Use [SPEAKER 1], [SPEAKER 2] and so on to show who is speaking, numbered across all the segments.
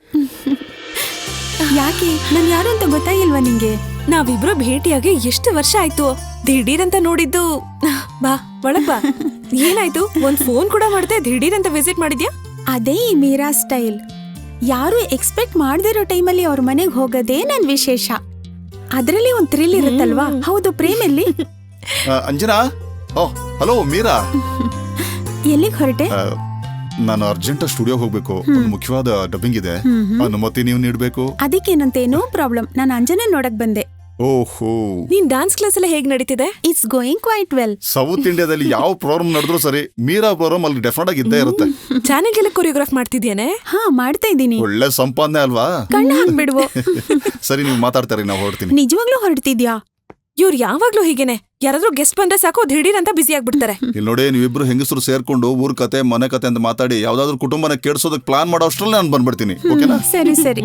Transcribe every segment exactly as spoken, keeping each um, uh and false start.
[SPEAKER 1] ಯಾಕೆ ನನ್ ಯಾರು ಅಂತ ಗೊತ್ತಾಗಿಲ್ವಾ ನಿಂಗೆ?
[SPEAKER 2] ನಾವಿಬ್ರು ಭೇಟಿಯಾಗಿ ಎಷ್ಟು ವರ್ಷ ಆಯ್ತು. ದಿಢೀರಂತ ನೋಡಿದ್ದು. ಬಾ ಒಳಗ್ ಬಾ. ಏನಾಯ್ತು? ಒಂದ್ ಫೋನ್ ಕೂಡ ಮಾಡ್ದೆ, ದಿಢೀರಂತ ವಿಸಿಟ್ ಮಾಡಿದ್ಯಾ?
[SPEAKER 1] ಅದೇ ಈ ಮೀರಾ ಸ್ಟೈಲ್. ಯಾರು ಎಕ್ಸ್ಪೆಕ್ಟ್ ಮಾಡದಿರೋ ಟೈಮಲ್ಲಿ ಅವ್ರ ಮನೆಗ್ ಹೋಗೋದೇ ನನ್ ವಿಶೇಷ. ಅದ್ರಲ್ಲಿ ಒಂದ್ ಥ್ರಿಲ್ ಇರುತ್ತಲ್ವಾ? ಹೌದು, ಪ್ರೇಮಲ್ಲಿ.
[SPEAKER 3] Anjana, oh hello Meera.
[SPEAKER 1] ಎಲ್ಲಿಗ್ ಹೊರಟೆ?
[SPEAKER 3] ನಾನು ಅರ್ಜೆಂಟ್ ಸ್ಟುಡಿಯೋಗೆ ಹೋಗ್ಬೇಕು. ಒಂದು ಮುಖ್ಯವಾದ ಡಬ್ಬಿಂಗ್ ಇದೆ, ಅನುಮತಿ ನೀವು ನೀಡಬೇಕು.
[SPEAKER 1] ಅದಕ್ಕೇನಂತೆ, ನೋ ಪ್ರಾಬ್ಲಮ್. ನಾನು ಅಂಜನಾ ನೋಡಕ್ ಬಂದೆ.
[SPEAKER 3] ಓಹೋ,
[SPEAKER 2] ನೀನ್ ಡಾನ್ಸ್ ಕ್ಲಾಸ್ ಎಲ್ಲ ಹೇಗ್ ನಡೀತಿದೆ?
[SPEAKER 1] It's going quite well.
[SPEAKER 3] South ಇಂಡಿಯಾದಲ್ಲಿ ಯಾವ ಪ್ರೋಗ್ರಾಮ್ ನಡೆದ್ರು ಸರಿ, ಮೀರಾ ಪ್ರೋಗ್ರಾಮ್ ಅಲ್ಲಿ ಡೆಫಿನೆಟ್ ಆಗಿ ಇದ್ದೇ ಇರುತ್ತೆ.
[SPEAKER 2] ಚಾನೆಲ್ಗೆಲ್ಲ ಕೊರಿಯೋಗ್ರಾಫ್ ಮಾಡ್ತಿದ್ಯಾನೆ?
[SPEAKER 1] ಹಾ, ಮಾಡ್ತಾ ಇದ್ದೀನಿ.
[SPEAKER 3] ಒಳ್ಳೆ ಸಂಪಾದನೆ ಅಲ್ವಾ?
[SPEAKER 1] ಕಣ್ಣು ಹಾಕ್ಬಿಡುವ.
[SPEAKER 3] ಸರಿ, ನೀವು ಮಾತಾಡ್ತಾರೆ, ನಾವು ಹೊರಡ್ತೀನಿ.
[SPEAKER 1] ನಿಜವಾಗ್ಲೂ ಹೊರಡ್ತಿದ್ಯಾ?
[SPEAKER 2] ಇವ್ರು ಯಾವಾಗ್ಲೂ ಹೀಗೇನೆ. ಯಾರಾದ್ರೂ ಗೆಸ್ಟ್ ಬಂದ್ರೆ ಸಾಕು, ದಿಢೀರ್ ಅಂತ ಬಿಸಿ ಆಗ್ಬಿಡ್ತಾರೆ.
[SPEAKER 3] ಇಲ್ಲಿ ನೋಡಿ, ನೀವಿಬ್ರು ಹೆಂಗಸರು ಸೇರ್ಕೊಂಡು ಊರ್ ಕತೆ ಮನೆ ಕತೆ ಅಂತ ಮಾತಾಡಿ ಯಾವ್ದಾದ್ರು ಕುಟುಂಬನ ಕೆಡ್ಸೋದಕ್ ಪ್ಲಾನ್ ಮಾಡೋ ಅಷ್ಟ್ರಲ್ಲಿ ನಾನು ಬಂದ್ಬಿಡ್ತೀನಿ. ಓಕೆನಾ?
[SPEAKER 1] ಸರಿ ಸರಿ.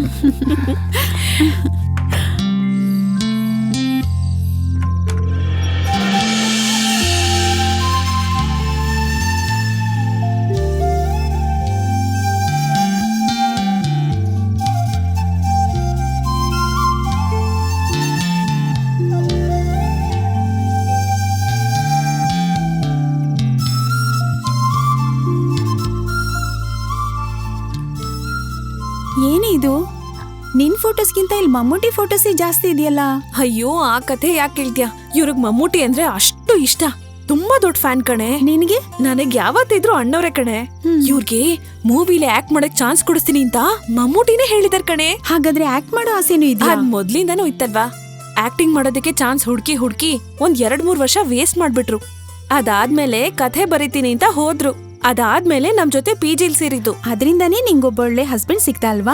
[SPEAKER 1] ಏನೇ ಇದು? ನಿನ್ ಫೋಟೋಸ್ಗಿಂತ ಇಲ್ಲಿ ಮಮ್ಮೂಟಿ ಫೋಟೋಸೇ ಜಾಸ್ತಿ ಇದೆಯಲ್ಲ?
[SPEAKER 2] ಅಯ್ಯೋ, ಆ ಕಥೆ ಯಾಕೆ ಹೇಳ್ತೀಯ? ಇವ್ರಿಗೆ ಮಮ್ಮೂಟಿ ಅಂದ್ರೆ ಅಷ್ಟು ಇಷ್ಟ. ತುಂಬಾ ದೊಡ್ಡ ಫ್ಯಾನ್ ಕಣೆ.
[SPEAKER 1] ನಿನಗೆ?
[SPEAKER 2] ನನಗ್ ಯಾವತ್ತಿದ್ರು ಅಣ್ಣವ್ರೆ ಕಣೆ. ಇವ್ರಿಗೆ ಮೂವಿಲಿ ಆಕ್ಟ್ ಮಾಡಕ್ ಚಾನ್ಸ್ ಕೊಡಿಸ್ತೀನಿ ಅಂತ ಮಮ್ಮೂಟಿನೇ ಹೇಳಿದಾರ್ ಕಣೆ.
[SPEAKER 1] ಹಾಗಾದ್ರೆ ಆಕ್ಟ್ ಮಾಡೋ ಆಸೆನೂ ಇದೆಯಾ?
[SPEAKER 2] ಅದ್ ಮೊದ್ಲಿಂದಾನೂ ಇತ್ತಲ್ವಾ. ಆಕ್ಟಿಂಗ್ ಮಾಡೋದಕ್ಕೆ ಚಾನ್ಸ್ ಹುಡ್ಕಿ ಹುಡ್ಕಿ ಒಂದ್ ಎರಡ್ ಮೂರ್ ವರ್ಷ ವೇಸ್ಟ್ ಮಾಡ್ಬಿಟ್ರು. ಅದಾದ್ಮೇಲೆ ಕಥೆ ಬರೀತೀನಿ ಅಂತ ಹೋದ್ರು. ಅದಾದ್ಮೇಲೆ ನಮ್ ಜೊತೆ ಪಿ ಜಿಲ್ ಸೇರಿದ್ದು.
[SPEAKER 1] ಅದ್ರಿಂದಾನೇ ನಿಂಗೊಬ್ಬೊಳ್ಳೆ ಹಸ್ಬೆಂಡ್ ಸಿಕ್ತಾ ಅಲ್ವಾ?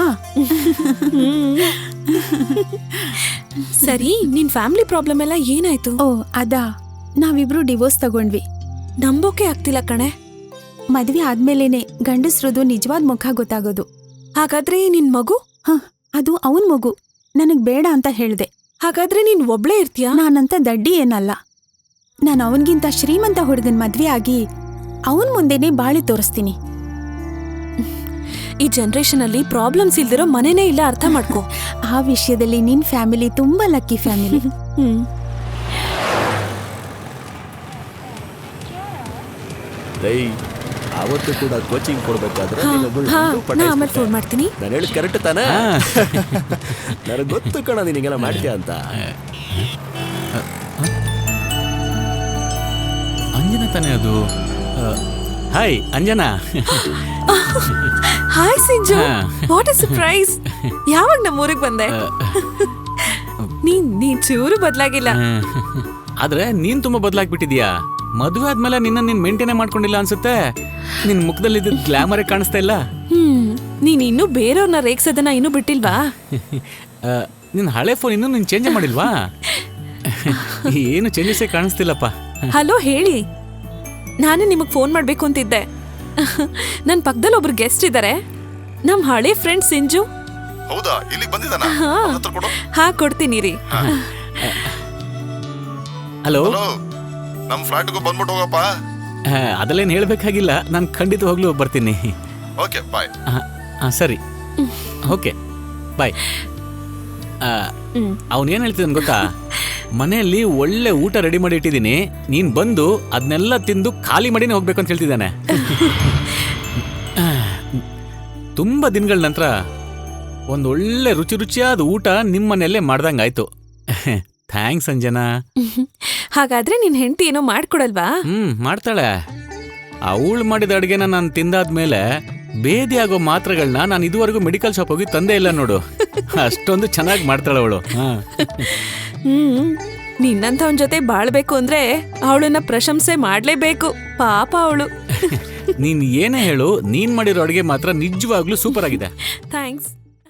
[SPEAKER 2] ಸರಿ, ನಿನ್ ಫ್ಯಾಮಿಲಿ ಪ್ರಾಬ್ಲಮ್ ಎಲ್ಲ ಏನಾಯ್ತು?
[SPEAKER 1] ಓ ಅದಾ, ನಾವಿಬ್ರು ಡಿವೋರ್ಸ್ ತಗೊಂಡ್ವಿ.
[SPEAKER 2] ನಂಬೋಕೆ ಆಗ್ತಿಲ್ಲ ಕಣೆ.
[SPEAKER 1] ಮದ್ವೆ ಆದ್ಮೇಲೆನೆ ಗಂಡಸ್ರದು ನಿಜವಾದ ಮುಖ ಗೊತ್ತಾಗೋದು.
[SPEAKER 2] ಹಾಗಾದ್ರೆ ನಿನ್ ಮಗು?
[SPEAKER 1] ಹ, ಅದು ಅವನ್ ಮಗು. ನನಗ್ ಬೇಡ ಅಂತ ಹೇಳ್ದೆ.
[SPEAKER 2] ಹಾಗಾದ್ರೆ ನೀನ್ ಒಬ್ಳೇ ಇರ್ತೀಯಾ?
[SPEAKER 1] ನಾನಂತ ದಡ್ಡಿ ಏನಲ್ಲ. ನಾನು ಅವನ್ಗಿಂತ ಶ್ರೀಮಂತ ಹುಡುಗನ್ ಮದ್ವೆ ಆಗಿ ಅವನ್ ಮುಂದೆನೆ ಬಾಳಿ ತೋರಿಸ್ತೀನಿ.
[SPEAKER 2] ಈ ಜನರೇಷನ್ ಅಲ್ಲಿ ಪ್ರಾಬ್ಲಮ್ಸ್ ಇಲ್ದಿರೋ ಮನೆನೇ ಇಲ್ಲ, ಅರ್ಥ ಮಾಡ್ಕೋ.
[SPEAKER 1] ಆ ವಿಷಯದಲ್ಲಿ ನಿನ್ ಫ್ಯಾಮಿಲಿ ತುಂಬಾ ಲಕ್ಕಿ ಫ್ಯಾಮಿಲಿ.
[SPEAKER 2] ಹ್ಮ್.
[SPEAKER 4] ಅವತ್ತು ಕೂಡ ಕೋಚಿಂಗ್ ಕೊಡ್ಬೇಕಾದ್ರೆ
[SPEAKER 2] ಆಮೇಲೆ ಫೋನ್ ಮಾಡ್ತೀನಿ.
[SPEAKER 4] ನಾನು ಹೇಳಿದ್ ಕರೆಕ್ಟ್ ತಾನೇ? ನನಗೆ ಗೊತ್ತು ಕಣ ನಿನಗೆಲ್ಲ ಮಾಡ್ತೀಯ ಅಂತ.
[SPEAKER 5] ಅಂಜನಾ ತಾನೇ ಅದು? Hi Anjana.
[SPEAKER 2] Hi Sinju, what a surprise. ಯಾವಾಗ ನಮ್ಮ ಊರಿಗೆ ಬಂದೆ? ನೀನ್ ನೀನ್ ಚೂರು ಬದಲಾಗಿಲ್ಲ.
[SPEAKER 5] ಆದ್ರೆ ನೀನ್ ತುಂಬಾ ಬದಲಾಗ್ಬಿಟ್ಟಿದ್ಯಾ. ಮದುವೆ ಆದ್ಮೇಲೆ ನಿನ್ನ ನೀನ್ ಮೇಂಟೈನ್ ಮಾಡ್ಕೊಂಡಿಲ್ಲ ಅನ್ಸುತ್ತೆ. ನಿನ್ ಮುಖದಲ್ಲಿ ಗ್ಲಾಮರೇ ಕಾಣಿಸ್ತಾ ಇಲ್ಲ.
[SPEAKER 2] ಹ್ಮ್, ನೀನ್ ಇನ್ನೂ ಬೇರೆಯವ್ರನ್ನ ರೇಗ್ಸೋದನ್ನ ಇನ್ನೂ ಬಿಟ್ಟಿಲ್ವಾ?
[SPEAKER 5] ನಿನ್ ಹಳೆ ಫೋನ್ ಇನ್ನೂ ನೀನ್ ಚೇಂಜ್ ಮಾಡಿಲ್ವಾ? ಏನು ಚೇಂಜಸ್ಸೇ ಕಾಣಿಸ್ತಿಲ್ಲಪ್ಪ.
[SPEAKER 2] ಹಲೋ, ಹೇಳಿ. ನಾನೇ ನಿಮಗ್ ಫೋನ್ ಮಾಡ್ಬೇಕು ಅಂತಿದ್ದೆ. ನನ್ ಪಕ್ಕದಲ್ಲಿ ಒಬ್ರು ಗೆಸ್ಟ್ ಇದಾರೆ, ನಮ್ ಹಳೆ ಫ್ರೆಂಡ್ ಸಿಂಜು.
[SPEAKER 3] ಹೌದಾ? ಇಲ್ಲಿ ಬಂದಿದ್ದಾನ?
[SPEAKER 2] ಹಾ, ಕೊಡ್ತೀನಿ ರೀ.
[SPEAKER 5] ಹಲೋ,
[SPEAKER 3] ನಮ್ ಫ್ಲಾಟ್ಗೂ ಬಂದ್ಬಿಟ್ಟು ಹೋಗಪ್ಪ.
[SPEAKER 5] ಅದಲ್ಲೇನು ಹೇಳ್ಬೇಕಾಗಿಲ್ಲ, ನಾನು ಖಂಡಿತವಾಗ್ಲೂ ಬರ್ತೀನಿ.
[SPEAKER 3] Okay, bye.
[SPEAKER 5] ಸರಿ, ಓಕೆ ಬಾಯ್. ಅವನೇನು ಹೇಳ್ತಿದ್ದಾನೆ ಗೊತ್ತಾ? ಮನೆಯಲ್ಲಿ ಒಳ್ಳೆ ಊಟ ರೆಡಿ ಮಾಡಿ ಇಟ್ಟಿದ್ದೀನಿ, ನೀನ್ ಬಂದು ಅದನ್ನೆಲ್ಲ ತಿಂದು ಖಾಲಿ ಮಾಡಿನೇ ಹೋಗ್ಬೇಕು ಅಂತ ಹೇಳ್ತಿದ್ದಾನೆ. ತುಂಬಾ ದಿನಗಳ ನಂತರ ಒಂದು ಒಳ್ಳೆ ರುಚಿ ರುಚಿಯಾದ ಊಟ ನಿಮ್ಮನೆಯಲ್ಲೇ ಮಾಡ್ದಂಗಾಯ್ತು. ಥ್ಯಾಂಕ್ಸ್ ಅಂಜನಾ.
[SPEAKER 2] ಹಾಗಾದ್ರೆ ನಿನ್ ಹೆಂಡತಿ ಏನೋ ಮಾಡ್ಕೊಡಲ್ವಾ?
[SPEAKER 5] ಹ್ಮ್, ಮಾಡ್ತಾಳೆ. ಅವಳು ಮಾಡಿದ ಅಡ್ಗೆನ ನಾನು ತಿಂದಾದ್ಮೇಲೆ ಬೇದಿ ಆಗೋ ಮಾತ್ರೆಗಳನ್ನ ನಾನು ಇದುವರೆಗೂ ಮೆಡಿಕಲ್ ಶಾಪ್ ಹೋಗಿ ತಂದೆ ಇಲ್ಲ ನೋಡು. ಅಷ್ಟೊಂದು ಚೆನ್ನಾಗಿ ಮಾಡ್ತಾಳೆ ಅವಳು.
[SPEAKER 2] ಹ್ಮ್, ನಿನ್ನಂಥವನ್ ಜೊತೆ ಬಾಳ್ಬೇಕು ಅಂದ್ರೆ ಅವಳನ್ನ ಪ್ರಶಂಸೆ ಮಾಡ್ಲೇಬೇಕು. ಪಾಪ ಅವಳು.
[SPEAKER 5] ನೀನ್ ಏನೇ ಹೇಳು, ನೀನ್ ಮಾಡಿರೋ ಅಡ್ಗೆ ಮಾತ್ರ ನಿಜವಾಗ್ಲೂ ಸೂಪರ್ ಆಗಿದೆ.
[SPEAKER 2] ಥ್ಯಾಂಕ್ಸ್.